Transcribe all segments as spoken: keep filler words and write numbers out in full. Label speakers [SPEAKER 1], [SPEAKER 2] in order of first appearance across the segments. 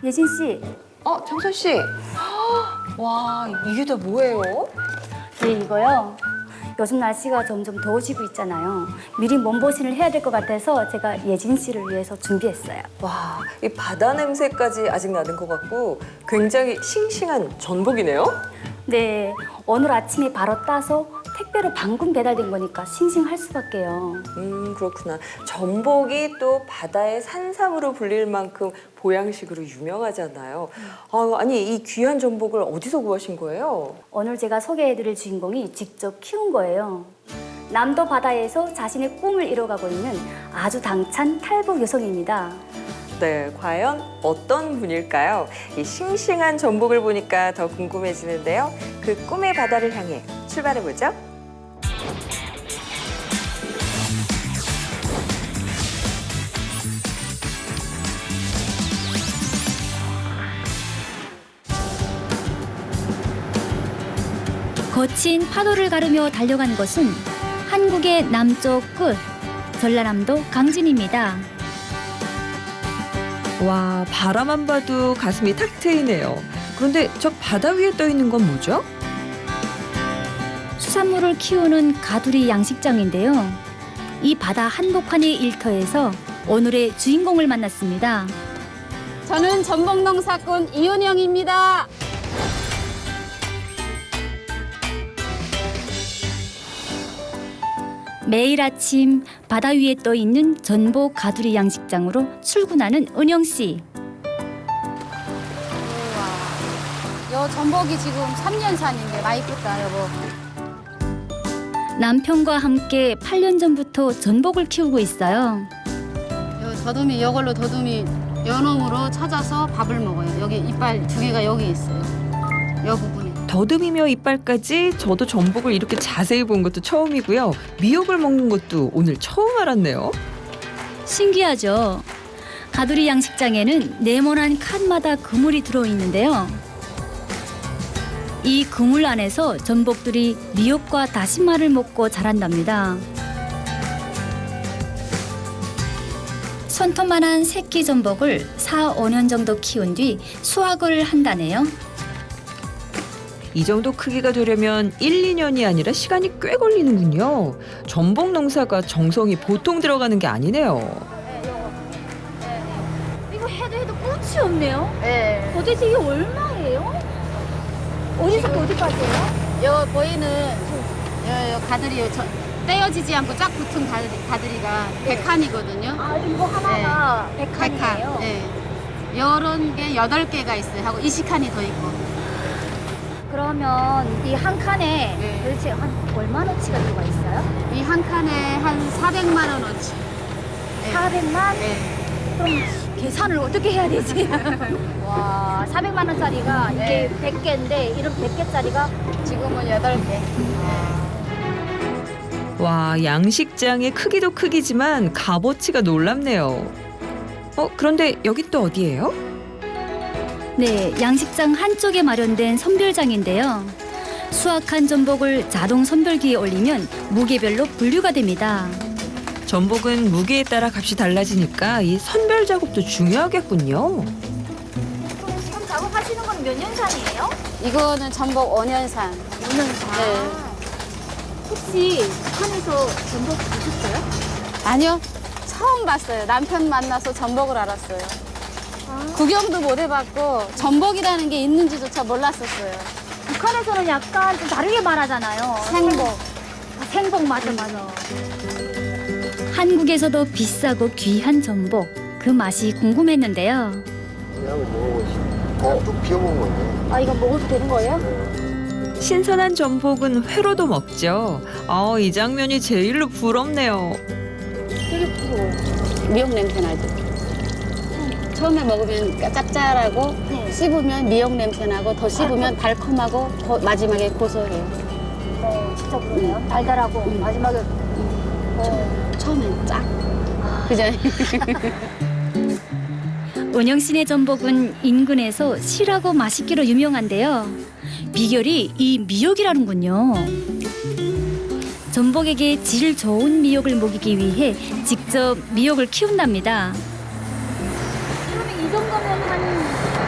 [SPEAKER 1] 예진 씨.
[SPEAKER 2] 어, 정선 씨. 와, 이게 다 뭐예요?
[SPEAKER 1] 네, 이거요. 요즘 날씨가 점점 더워지고 있잖아요. 미리 몸보신을 해야 될 것 같아서 제가 예진 씨를 위해서 준비했어요.
[SPEAKER 2] 와, 이 바다 냄새까지 아직 나는 것 같고 굉장히 싱싱한 전복이네요.
[SPEAKER 1] 네, 오늘 아침에 바로 따서 택배로 방금 배달된 거니까 싱싱할 수밖에요.
[SPEAKER 2] 음, 그렇구나. 전복이 또 바다의 산삼으로 불릴 만큼 보양식으로 유명하잖아요. 아, 아니, 이 귀한 전복을 어디서 구하신 거예요?
[SPEAKER 1] 오늘 제가 소개해드릴 주인공이 직접 키운 거예요. 남도 바다에서 자신의 꿈을 이뤄가고 있는 아주 당찬 탈북 여성입니다.
[SPEAKER 2] 네, 과연 어떤 분일까요? 이 싱싱한 전복을 보니까 더 궁금해지는데요. 그 꿈의 바다를 향해 출발해보죠.
[SPEAKER 1] 거친 파도를 가르며 달려간 곳은 한국의 남쪽 끝, 전라남도 강진입니다.
[SPEAKER 3] 와, 바라만 봐도 가슴이 탁 트이네요. 그런데 저 바다 위에 떠 있는 건 뭐죠?
[SPEAKER 1] 수산물을 키우는 가두리 양식장인데요. 이 바다 한복판의 일터에서 오늘의 주인공을 만났습니다.
[SPEAKER 4] 저는 전복농사꾼 이은영입니다.
[SPEAKER 1] 매일 아침 바다 위에 떠 있는 전복 가두리 양식장으로 출근하는 은영 씨.
[SPEAKER 4] 요 전복이 지금 삼 년산인데 많이 컸다 여보.
[SPEAKER 1] 남편과 함께 팔 년 전부터 전복을 키우고 있어요.
[SPEAKER 4] 요 더듬이 요걸로 더듬이 연어으로 찾아서 밥을 먹어요. 여기 이빨 두 개가 여기 있어요. 요 부분에.
[SPEAKER 3] 더듬이며 이빨까지 저도 전복을 이렇게 자세히 본 것도 처음이고요. 미역을 먹는 것도 오늘 처음 알았네요.
[SPEAKER 1] 신기하죠? 가두리 양식장에는 네모난 칸마다 그물이 들어있는데요. 이 그물 안에서 전복들이 미역과 다시마를 먹고 자란답니다. 손톱만한 새끼 전복을 사, 오 년 정도 키운 뒤 수확을 한다네요.
[SPEAKER 3] 이 정도 크기가 되려면 일, 이 년이 아니라 시간이 꽤 걸리는군요. 전복 농사가 정성이 보통 들어가는 게 아니네요.
[SPEAKER 1] 이거 해도 해도 끝이 없네요.
[SPEAKER 4] 네.
[SPEAKER 1] 도대체 이게 얼마예요? 어디서부터 어디까지예요?
[SPEAKER 4] 요 보이는 요, 요 가들이 요 저, 떼어지지 않고 쫙 붙은 가들이, 가들이가 백 칸이거든요.
[SPEAKER 1] 아, 이거 하나가 백
[SPEAKER 4] 백 칸.
[SPEAKER 1] 칸이에요?
[SPEAKER 4] 네. 요런 게 여덟 개가 있어요. 하고 이십 칸이 더 있고.
[SPEAKER 1] 그러면 이 한 칸에
[SPEAKER 4] 네.
[SPEAKER 1] 도대체 한 얼마나치가 들어가 있어요?
[SPEAKER 4] 이 한 칸에 한 사백만 원어치. 네.
[SPEAKER 1] 사백만?
[SPEAKER 4] 네.
[SPEAKER 1] 그럼 계산을 어떻게 해야 되지? 와, 사백만 원짜리가
[SPEAKER 4] 네.
[SPEAKER 1] 이게 백 개인데 이런 백 개짜리가
[SPEAKER 4] 지금은 여덟 개.
[SPEAKER 3] 와, 양식장의 크기도 크기지만 값어치가 놀랍네요. 어, 그런데 여긴 또 어디예요?
[SPEAKER 1] 네, 양식장 한쪽에 마련된 선별장인데요. 수확한 전복을 자동 선별기에 올리면 무게별로 분류가 됩니다.
[SPEAKER 3] 전복은 무게에 따라 값이 달라지니까 이 선별 작업도 중요하겠군요.
[SPEAKER 1] 지금 작업하시는 건 몇 년산이에요?
[SPEAKER 4] 이거는 전복 오 년산.
[SPEAKER 1] 오 년산.
[SPEAKER 4] 네.
[SPEAKER 1] 혹시 북한에서 전복 보셨어요?
[SPEAKER 4] 아니요. 처음 봤어요. 남편 만나서 전복을 알았어요. 구경도 못 해봤고 전복이라는 게 있는지조차 몰랐었어요.
[SPEAKER 1] 북한에서는 약간 좀 다르게 말하잖아요.
[SPEAKER 4] 생복.
[SPEAKER 1] 아, 생복 맞아 맞아. 한국에서도 비싸고 귀한 전복. 그 맛이 궁금했는데요.
[SPEAKER 5] 그냥 먹어보시죠. 그냥 뚝 비워본 건데.
[SPEAKER 1] 아, 이거 먹어도 되는 거예요?
[SPEAKER 3] 신선한 전복은 회로도 먹죠. 아, 이 장면이 제일로 부럽네요.
[SPEAKER 1] 되게 부러워요.
[SPEAKER 4] 미역 냄새 나죠. 처음에 먹으면 짭짤하고
[SPEAKER 1] 네.
[SPEAKER 4] 씹으면 미역 냄새 나고 더 씹으면 달콤하고 고- 마지막에 고소해요.
[SPEAKER 1] 네, 진짜 그러네요. 달달하고
[SPEAKER 4] 음.
[SPEAKER 1] 마지막에 어.
[SPEAKER 4] 처음엔 쫙. 그죠?
[SPEAKER 1] 은영 씨네 전복은 인근에서 실하고 맛있기로 유명한데요. 비결이 이 미역이라는군요. 전복에게 질 좋은 미역을 먹이기 위해 직접 미역을 키운답니다. 그러면 이 정도면 한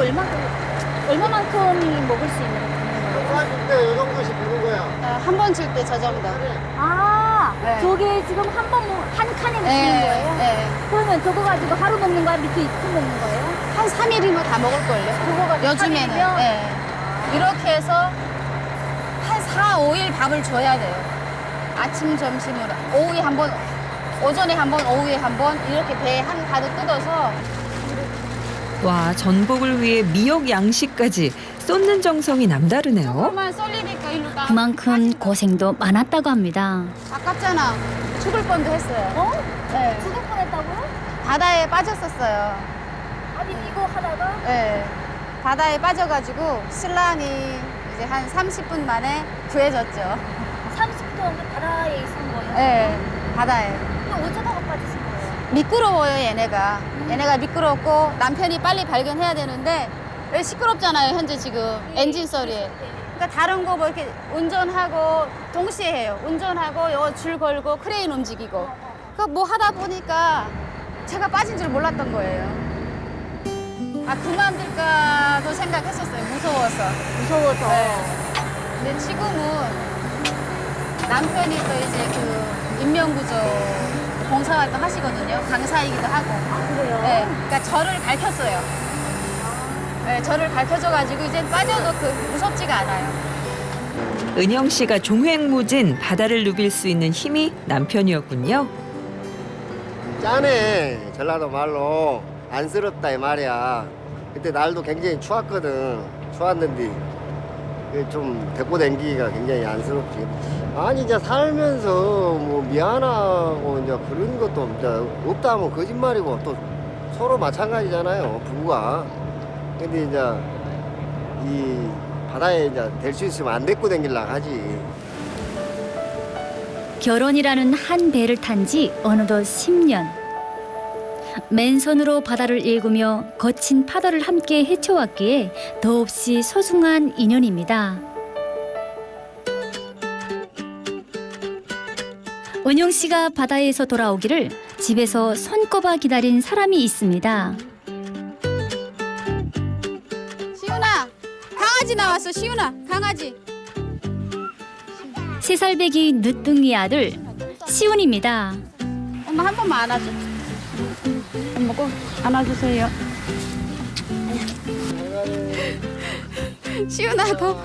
[SPEAKER 1] 얼마 얼마만큼이 먹을 수 있는 거예요?
[SPEAKER 5] 빠질 때 이 정도씩 부는 거야.
[SPEAKER 4] 어, 한 번 줄 때 저 정도.
[SPEAKER 1] 아,
[SPEAKER 4] 네.
[SPEAKER 1] 저게 지금 한 번 한 칸에 묻히는
[SPEAKER 4] 네,
[SPEAKER 1] 거예요?
[SPEAKER 4] 네.
[SPEAKER 1] 그러면 저거 가지고 하루 먹는 거야, 밑에 이틀 먹는 거예요?
[SPEAKER 4] 한 삼 일이면 다 먹을걸요.
[SPEAKER 1] 그거 가지고
[SPEAKER 4] 요즘에는.
[SPEAKER 1] 삼 일이면?
[SPEAKER 4] 네. 이렇게 해서 한 사, 오 일 밥을 줘야 돼요. 아침, 점심으로. 오후에 한 번, 오전에 한 번, 오후에 한 번, 이렇게 배 한 가득 뜯어서.
[SPEAKER 3] 와, 전복을 위해 미역 양식까지 쏟는 정성이 남다르네요.
[SPEAKER 4] 조금만 쏠리니까 일로 가.
[SPEAKER 1] 그만큼 고생도 많았다고 합니다.
[SPEAKER 4] 아깝잖아. 죽을 뻔도 했어요.
[SPEAKER 1] 어?
[SPEAKER 4] 네.
[SPEAKER 1] 죽을 뻔했다고요?
[SPEAKER 4] 바다에 빠졌었어요.
[SPEAKER 1] 아니 이거 하다가
[SPEAKER 4] 네. 바다에 빠져가지고 신랑이 이제 한 삼십 분 만에 구해졌죠.
[SPEAKER 1] 삼십 분 동안 바다에 있은 거예요?
[SPEAKER 4] 네. 바다에.
[SPEAKER 1] 근데 어쩌다가 빠지신 거예요?
[SPEAKER 4] 미끄러워요, 얘네가. 얘네가 미끄럽고 남편이 빨리 발견해야 되는데 왜 시끄럽잖아요, 현재 지금 엔진 소리에. 그러니까 다른 거 뭐 이렇게 운전하고 동시에 해요. 운전하고 요 줄 걸고 크레인 움직이고. 그러니까 뭐 하다 보니까 제가 빠진 줄 몰랐던 거예요. 아, 그만둘까도 생각했었어요. 무서워서.
[SPEAKER 1] 무서워서.
[SPEAKER 4] 네. 근데 지금은 남편이 또 이제 그 인명구조 봉사활동 하시거든요. 강사이기도 하고.
[SPEAKER 1] 아, 그래요?
[SPEAKER 4] 네. 그러니까 저를 가르쳤어요. 네, 저를 가르쳐줘가지고 이제 빠져도 그 무섭지가 않아요.
[SPEAKER 3] 은영 씨가 종횡무진 바다를 누빌 수 있는 힘이 남편이었군요.
[SPEAKER 5] 짜네. 전라도 말로 안쓰럽다 이 말이야. 그때 날도 굉장히 추웠거든. 추웠는데 그좀 데리고 다니기가 굉장히 안쓰럽지. 아니 이제 살면서 뭐 미안하고 이제 그런 것도 이제 없다 하면 거짓말이고 또 서로 마찬가지잖아요. 부부가. 근데 이제 이 바다에 이제 될 수 있으면 안 데리고 다니려고 하지.
[SPEAKER 1] 결혼이라는 한 배를 탄 지 어느덧 십 년. 맨손으로 바다를 일구며 거친 파도를 함께 헤쳐왔기에 더없이 소중한 인연입니다. 은영 씨가 바다에서 돌아오기를 집에서 손꼽아 기다린 사람이 있습니다.
[SPEAKER 4] 시윤아, 강아지 나왔어. 시윤아, 강아지.
[SPEAKER 1] 세 살배기 늦둥이 아들 시훈입니다.
[SPEAKER 4] 엄마 한 번만 안아줘. 엄마 꼭 안아주세요. 시윤아, 더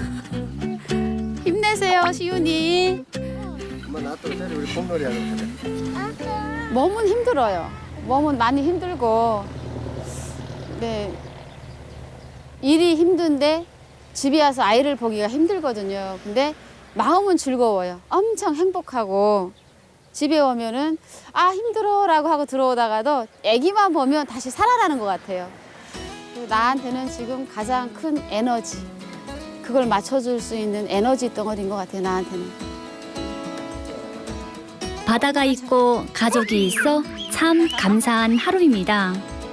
[SPEAKER 4] 힘내세요, 시윤이.
[SPEAKER 5] 엄마 나또 저리 우리 봄놀이 하는 거야.
[SPEAKER 4] 몸은 힘들어요. 몸은 많이 힘들고, 네, 일이 힘든데 집에 와서 아이를 보기가 힘들거든요. 근데 마음은 즐거워요. 엄청 행복하고 집에 오면은 아 힘들어라고 하고 들어오다가도 아기만 보면 다시 살아나는 것 같아요. 그리고 나한테는 지금 가장 큰 에너지, 그걸 맞춰줄 수 있는 에너지 덩어리인 것 같아요. 나한테는.
[SPEAKER 1] 바다가 있고 가족이 있어 참 감사한 하루입니다.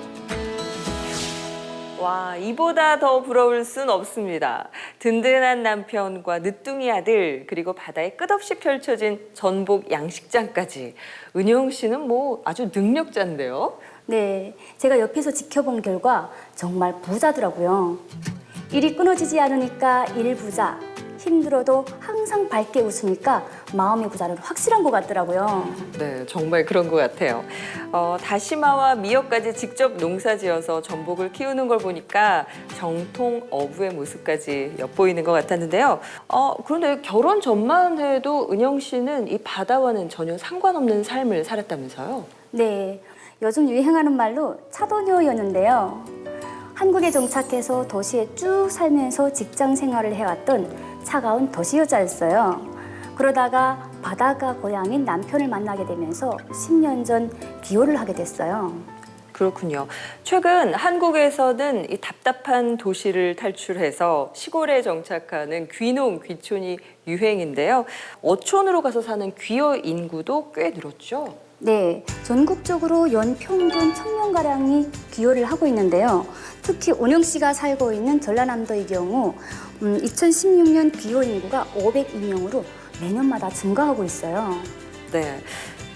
[SPEAKER 2] 와, 이보다 더 부러울 순 없습니다. 든든한 남편과 늦둥이 아들, 그리고 바다에 끝없이 펼쳐진 전복 양식장까지. 은영 씨는 뭐 아주 능력자인데요.
[SPEAKER 1] 네, 제가 옆에서 지켜본 결과 정말 부자더라고요. 일이 끊어지지 않으니까 일부자, 힘들어도 항상 밝게 웃으니까 마음의 부자는 확실한 것 같더라고요.
[SPEAKER 2] 네, 정말 그런 것 같아요. 어, 다시마와 미역까지 직접 농사지어서 전복을 키우는 걸 보니까 정통 어부의 모습까지 엿보이는 것 같았는데요. 어, 그런데 결혼 전만 해도 은영 씨는 이 바다와는 전혀 상관없는 삶을 살았다면서요?
[SPEAKER 1] 네, 요즘 유행하는 말로 차도녀였는데요. 한국에 정착해서 도시에 쭉 살면서 직장 생활을 해왔던 차가운 도시 여자였어요. 그러다가 바다가 고향인 남편을 만나게 되면서 십 년 전 귀호를 하게 됐어요.
[SPEAKER 2] 그렇군요. 최근 한국에서는 이 답답한 도시를 탈출해서 시골에 정착하는 귀농, 귀촌이 유행인데요. 어촌으로 가서 사는 귀여 인구도 꽤 늘었죠?
[SPEAKER 1] 네, 전국적으로 연평균 천 명가량이 귀호를 하고 있는데요. 특히 은영 씨가 살고 있는 전라남도의 경우 음, 이천십육 년 귀호 인구가 오백이 명으로 매년마다 증가하고 있어요.
[SPEAKER 2] 네.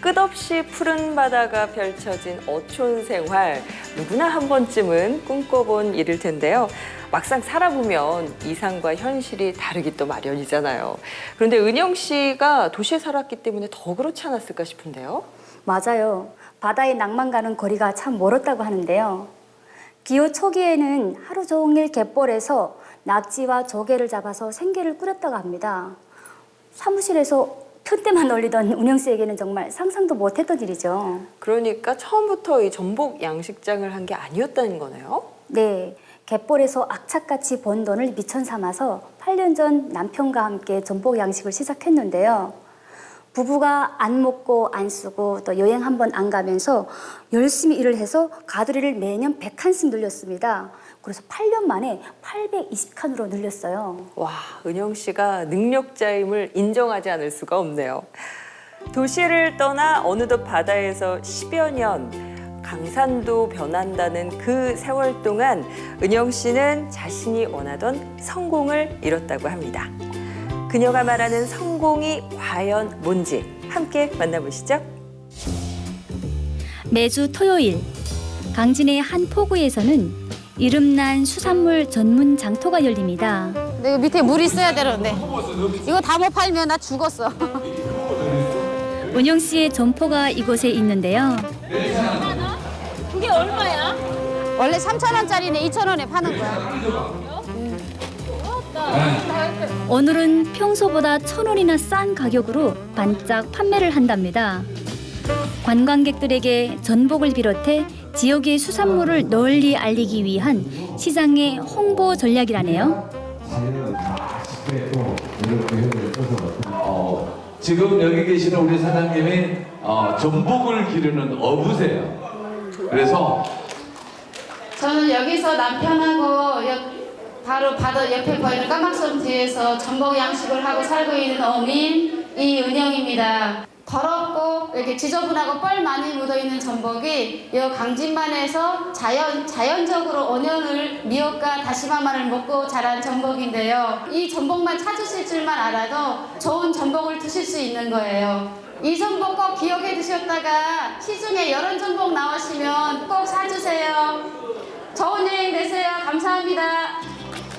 [SPEAKER 2] 끝없이 푸른 바다가 펼쳐진 어촌 생활, 누구나 한 번쯤은 꿈꿔본 일일 텐데요. 막상 살아보면 이상과 현실이 다르기 또 마련이잖아요. 그런데 은영 씨가 도시에 살았기 때문에 더 그렇지 않았을까 싶은데요.
[SPEAKER 1] 맞아요. 바다의 낭만과는 거리가 참 멀었다고 하는데요. 기호 초기에는 하루 종일 갯벌에서 낙지와 조개를 잡아서 생계를 꾸렸다고 합니다. 사무실에서 푯대만 올리던 은영 씨에게는 정말 상상도 못했던 일이죠.
[SPEAKER 2] 그러니까 처음부터 이 전복 양식장을 한 게 아니었다는 거네요.
[SPEAKER 1] 네, 갯벌에서 악착같이 번 돈을 미천 삼아서 팔 년 전 남편과 함께 전복 양식을 시작했는데요. 부부가 안 먹고 안 쓰고 또 여행 한 번 안 가면서 열심히 일을 해서 가두리를 매년 백 칸씩 늘렸습니다. 그래서 팔 년 만에 팔백이십 칸으로 늘렸어요.
[SPEAKER 2] 와, 은영 씨가 능력자임을 인정하지 않을 수가 없네요. 도시를 떠나 어느덧 바다에서 십여 년, 강산도 변한다는 그 세월 동안 은영 씨는 자신이 원하던 성공을 이뤘다고 합니다. 그녀가 말하는 성공이 과연 뭔지 함께 만나보시죠.
[SPEAKER 1] 매주 토요일 강진의 한 포구에서는 이름난 수산물 전문 장터가 열립니다.
[SPEAKER 4] 근데 이거 밑에 물 있어야 되는데 이거 다 못 팔면 나 죽었어.
[SPEAKER 1] 은영 씨의 점포가 이곳에 있는데요.
[SPEAKER 4] 그게 얼마야? 원래 삼천 원짜리는 이천 원에 파는 거야.
[SPEAKER 1] 오늘은 평소보다 천 원이나 싼 가격으로 반짝 판매를 한답니다. 관광객들에게 전복을 비롯해 지역의 수산물을 널리 알리기 위한 시장의 홍보 전략이라네요.
[SPEAKER 6] 어, 지금 여기 계시는 우리 사장님이 어, 전복을 기르는 어부세요. 그래서
[SPEAKER 4] 저는 여기서 남편하고 옆, 바로 바다 옆에 보이는 까막섬 뒤에서 전복 양식을 하고 살고 있는 어민 이은영입니다. 더럽고 이렇게 지저분하고 뻘 많이 묻어있는 전복이 이 강진만에서 자연, 자연적으로 온연을 미역과 다시마만을 먹고 자란 전복인데요. 이 전복만 찾으실 줄만 알아도 좋은 전복을 드실 수 있는 거예요. 이 전복 꼭 기억해 두셨다가 시중에 여름 전복 나오시면 꼭 사주세요. 좋은 여행 되세요. 감사합니다.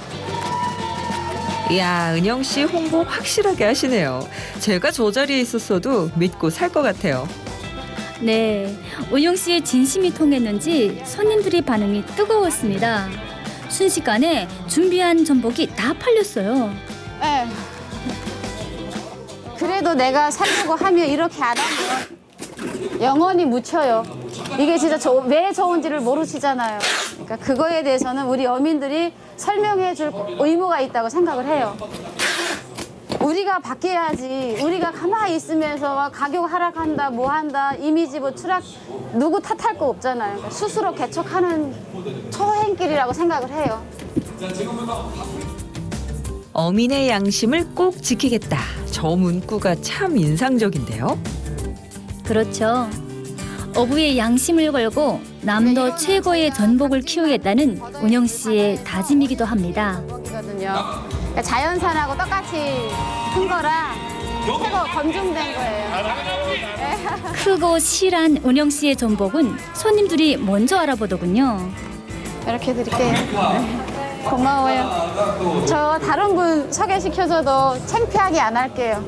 [SPEAKER 3] 이야, 은영 씨 홍보 확실하게 하시네요. 제가 저 자리에 있었어도 믿고 살 것 같아요.
[SPEAKER 1] 네, 은영 씨의 진심이 통했는지 손님들의 반응이 뜨거웠습니다. 순식간에 준비한 전복이 다 팔렸어요.
[SPEAKER 4] 네. 그래도 내가 살려고 하면 이렇게 안 하면 영원히 묻혀요. 이게 진짜 저, 왜 좋은지를 모르시잖아요. 그러니까 그거에 대해서는 우리 어민들이 설명해 줄 의무가 있다고 생각을 해요. 우리가 바뀌어야지. 우리가 가만히 있으면서 가격 하락한다, 뭐 한다, 이미지 뭐 추락, 누구 탓할 거 없잖아요. 그러니까 스스로 개척하는 초행길이라고 생각을 해요.
[SPEAKER 3] 어민의 양심을 꼭 지키겠다. 저 문구가 참 인상적인데요.
[SPEAKER 1] 그렇죠. 어부의 양심을 걸고 남도 최고의 전복을 키우겠다는 은영 씨의 다짐이기도 합니다.
[SPEAKER 4] 거거든요. 그러니까 자연산하고 똑같이 큰 거라 최고 검증된 거예요.
[SPEAKER 1] 크고 실한 은영 씨의 전복은 손님들이 먼저 알아보더군요.
[SPEAKER 4] 이렇게 드릴게요. 네. 고마워요. 저 다른 분 소개시켜줘도 창피하게 안 할게요.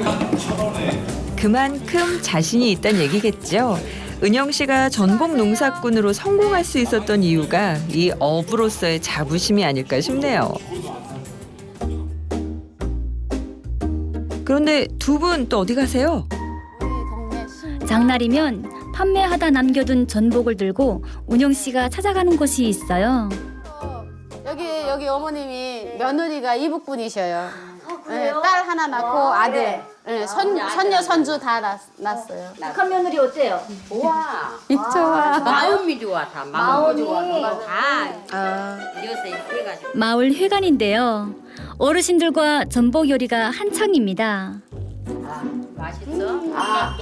[SPEAKER 3] 그만큼 자신이 있다는 얘기겠죠. 은영 씨가 전복 농사꾼으로 성공할 수 있었던 이유가 이 어부로서의 자부심이 아닐까 싶네요. 그런데 두 분 또 어디 가세요?
[SPEAKER 1] 장날이면 판매하다 남겨둔 전복을 들고 은영 씨가 찾아가는 곳이 있어요.
[SPEAKER 4] 여기 여기 어머님이 며느리가 이북 분이셔요. 네, 딸 하나 낳고 아들, 네, 선 선녀 선주 다 낳, 낳았어요.
[SPEAKER 7] 북한 며느리 어때요?
[SPEAKER 8] 좋아.
[SPEAKER 4] 좋아.
[SPEAKER 8] 마음이 좋아 다. 마음이 좋아. 다
[SPEAKER 4] 아.
[SPEAKER 8] 이어서 해가지고.
[SPEAKER 1] 마을 회관인데요. 어르신들과 전복 요리가 한창입니다.
[SPEAKER 8] 맛있어? 아.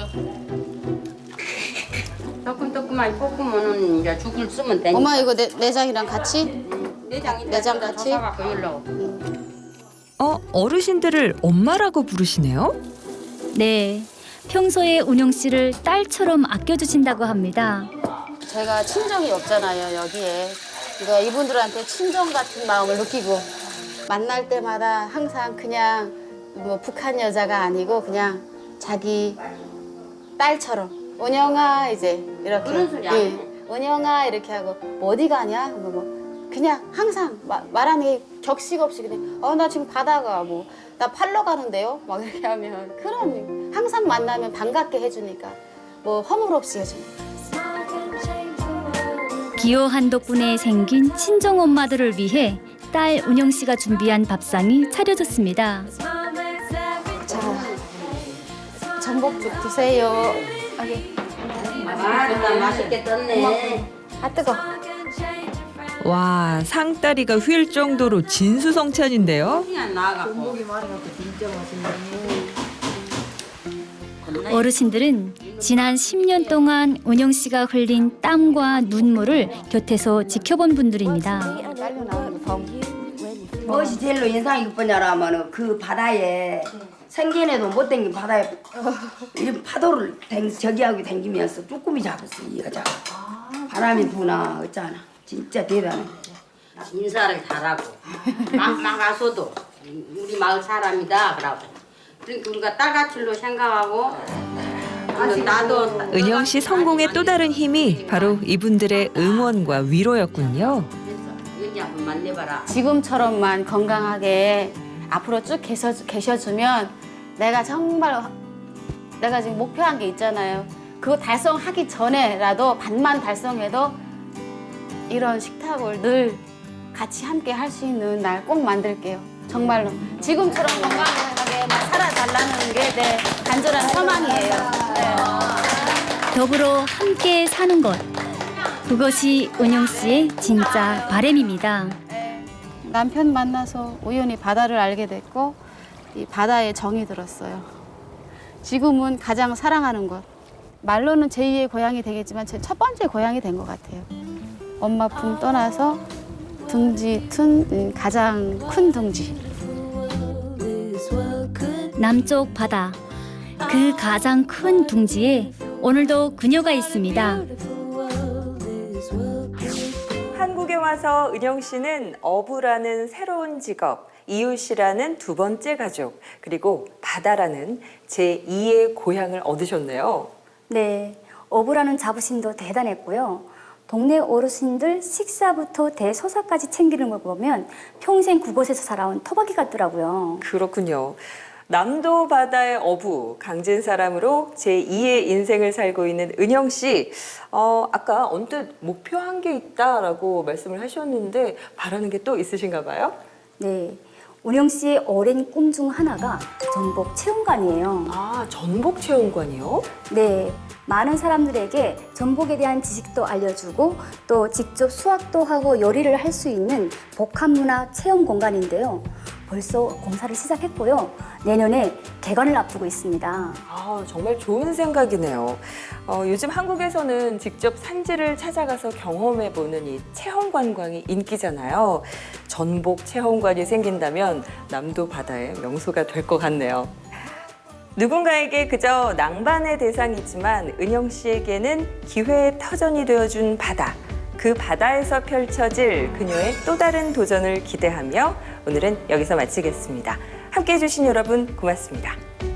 [SPEAKER 8] 조금조금만 볶으면은 이제 죽을 쓰면 되니까.
[SPEAKER 4] 엄마 이거 내, 내장이랑 같이?
[SPEAKER 8] 내장
[SPEAKER 4] 내장 같이?
[SPEAKER 8] 사갖고 일로.
[SPEAKER 3] 어, 어르신들을 엄마라고 부르시네요?
[SPEAKER 1] 네, 평소에 은영 씨를 딸처럼 아껴주신다고 합니다.
[SPEAKER 4] 제가 친정이 없잖아요, 여기에. 그러니까 이분들한테 친정 같은 마음을 느끼고 만날 때마다 항상 그냥 뭐 북한 여자가 아니고 그냥 자기 딸처럼 은영아 이제 이렇게
[SPEAKER 8] 그런 소리 안
[SPEAKER 4] 예,
[SPEAKER 8] 해.
[SPEAKER 4] 은영아 이렇게 하고 뭐 어디 가냐 뭐, 뭐 그냥 항상 마, 말하는 게 격식 없이 그냥 어 나 지금 바다가 뭐 나 팔러 가는데요 막 이렇게 하면 그런 항상 만나면 반갑게 해주니까 뭐 허물 없이 해주니까.
[SPEAKER 1] 기여한 덕분에 생긴 친정 엄마들을 위해 딸 은영 씨가 준비한 밥상이 차려졌습니다.
[SPEAKER 4] 자, 전복죽 드세요. 여기.
[SPEAKER 8] 아, 맛있게 떴네.
[SPEAKER 4] 아 뜨거.
[SPEAKER 3] 와, 상다리가 휠 정도로 진수성찬인데요.
[SPEAKER 8] 그냥 나가고.
[SPEAKER 1] 어르신들은 지난 십 년 동안 은영 씨가 흘린 땀과 눈물을 곁에서 지켜본 분들입니다.
[SPEAKER 4] 빨려 나오는 거 범.
[SPEAKER 7] 무엇이 제일로 인상이 깊었냐라 하면은 그 바다에 생전에도 못 댕긴 바다에 이 파도를 댕, 저기하고 댕기면서 쭈꾸미 잡았어 이 여자. 바람이 부나 어쩌나 진짜 대단해.
[SPEAKER 8] 인사를 잘하고 막 막아서도 우리 마을 사람이다 그러고. 그러니까 우리가 딸같이로 생각하고 나도
[SPEAKER 3] 은영 씨 성공의 또 다른 힘이 바로 이분들의 응원과 위로였군요.
[SPEAKER 8] 은지 한번 만나봐라.
[SPEAKER 4] 지금처럼만 건강하게 앞으로 쭉 계셔, 계셔주면 내가 정말 내가 지금 목표한 게 있잖아요. 그거 달성하기 전에라도 반만 달성해도 이런 식탁을 늘 같이 함께 할 수 있는 날 꼭 만들게요. 정말로 지금처럼 건강하게 막 살아달라는 게 내 간절한 소망이에요. 네.
[SPEAKER 1] 더불어 함께 사는 것. 그것이 은영 씨의 진짜 바람입니다.
[SPEAKER 4] 남편 만나서 우연히 바다를 알게 됐고 이 바다에 정이 들었어요. 지금은 가장 사랑하는 곳. 말로는 제이의 고향이 되겠지만 제 첫 번째 고향이 된 것 같아요. 엄마 품 떠나서 둥지 튼 가장 큰 둥지.
[SPEAKER 1] 남쪽 바다. 그 가장 큰 둥지에 오늘도 그녀가 있습니다.
[SPEAKER 2] 한국에 와서 은영 씨는 어부라는 새로운 직업, 이웃이라는 두 번째 가족, 그리고 바다라는 제이의 고향을 얻으셨네요.
[SPEAKER 1] 네, 어부라는 자부심도 대단했고요. 동네 어르신들 식사부터 대소사까지 챙기는 걸 보면 평생 그곳에서 살아온 토박이 같더라고요.
[SPEAKER 2] 그렇군요. 남도 바다의 어부, 강진 사람으로 제이의 인생을 살고 있는 은영 씨. 어, 아까 언뜻 목표한 게 있다라고 말씀을 하셨는데 바라는 게 또 있으신가 봐요?
[SPEAKER 1] 네, 은영 씨의 어린 꿈 중 하나가 전복 체험관이에요.
[SPEAKER 2] 아, 전복 체험관이요?
[SPEAKER 1] 네, 많은 사람들에게 전복에 대한 지식도 알려주고 또 직접 수확도 하고 요리를 할 수 있는 복합문화 체험 공간인데요. 벌써 공사를 시작했고요. 내년에 개관을 앞두고 있습니다.
[SPEAKER 2] 아, 정말 좋은 생각이네요. 어, 요즘 한국에서는 직접 산지를 찾아가서 경험해보는 이 체험 관광이 인기잖아요. 전복 체험관이 생긴다면 남도 바다의 명소가 될 것 같네요. 누군가에게 그저 낭만의 대상이지만 은영 씨에게는 기회의 터전이 되어준 바다. 그 바다에서 펼쳐질 그녀의 또 다른 도전을 기대하며 오늘은 여기서 마치겠습니다. 함께해 주신 여러분 고맙습니다.